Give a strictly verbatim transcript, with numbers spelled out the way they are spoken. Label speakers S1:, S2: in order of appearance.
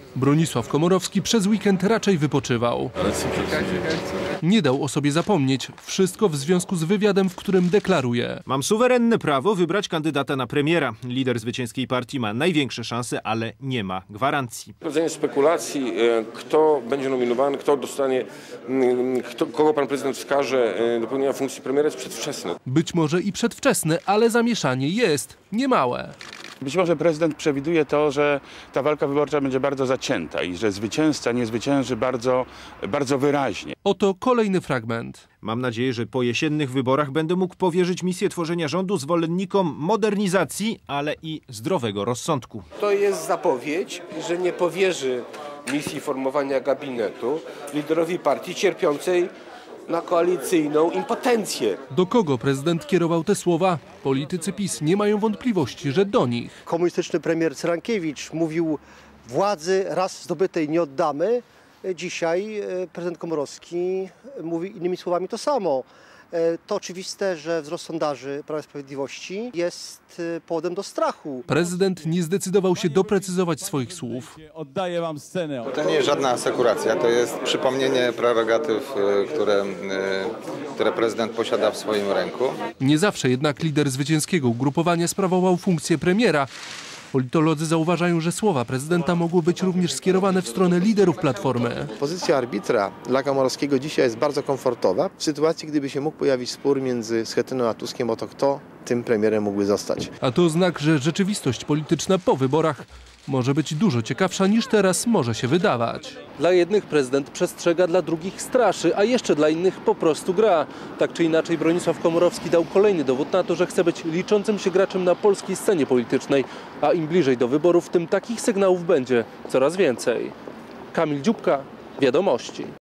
S1: Bronisław Komorowski przez weekend raczej wypoczywał. Nie dał o sobie zapomnieć. Wszystko w związku z wywiadem, w którym deklaruje:
S2: mam suwerenne prawo wybrać kandydata na premiera. Lider zwycięskiej partii ma największe szanse, ale nie ma gwarancji.
S3: Prowadzenie spekulacji, kto będzie nominowany, kto dostanie, kto, kogo pan prezydent wskaże do pełnienia funkcji premiera, jest przedwczesne.
S1: Być może i przedwczesne, ale zamieszanie jest niemałe.
S4: Być może prezydent przewiduje to, że ta walka wyborcza będzie bardzo zacięta i że zwycięzca nie zwycięży bardzo, bardzo wyraźnie.
S1: Oto kolejny fragment.
S2: Mam nadzieję, że po jesiennych wyborach będę mógł powierzyć misję tworzenia rządu zwolennikom modernizacji, ale i zdrowego rozsądku.
S5: To jest zapowiedź, że nie powierzy misji formowania gabinetu liderowi partii cierpiącej na koalicyjną impotencję.
S1: Do kogo prezydent kierował te słowa? Politycy PiS nie mają wątpliwości, że do nich.
S6: Komunistyczny premier Cyrankiewicz mówił: władzy raz zdobytej nie oddamy. Dzisiaj prezydent Komorowski mówi innymi słowami to samo. To oczywiste, że wzrost sondaży Prawa i Sprawiedliwości jest powodem do strachu.
S1: Prezydent nie zdecydował się doprecyzować swoich słów.
S7: Oddaję wam scenę.
S8: To nie jest żadna asekuracja, to jest przypomnienie prerogatyw, które, które prezydent posiada w swoim ręku.
S1: Nie zawsze jednak lider zwycięskiego ugrupowania sprawował funkcję premiera. Politolodzy zauważają, że słowa prezydenta mogły być również skierowane w stronę liderów Platformy.
S9: Pozycja arbitra dla Komorowskiego dzisiaj jest bardzo komfortowa. W sytuacji, gdyby się mógł pojawić spór między Schetyną a Tuskiem o to, kto tym premierem mógłby zostać.
S1: A to znak, że rzeczywistość polityczna po wyborach może być dużo ciekawsza niż teraz może się wydawać. Dla jednych prezydent przestrzega, dla drugich straszy, a jeszcze dla innych po prostu gra. Tak czy inaczej Bronisław Komorowski dał kolejny dowód na to, że chce być liczącym się graczem na polskiej scenie politycznej. A im bliżej do wyborów, tym takich sygnałów będzie coraz więcej. Kamil Dziubka, Wiadomości.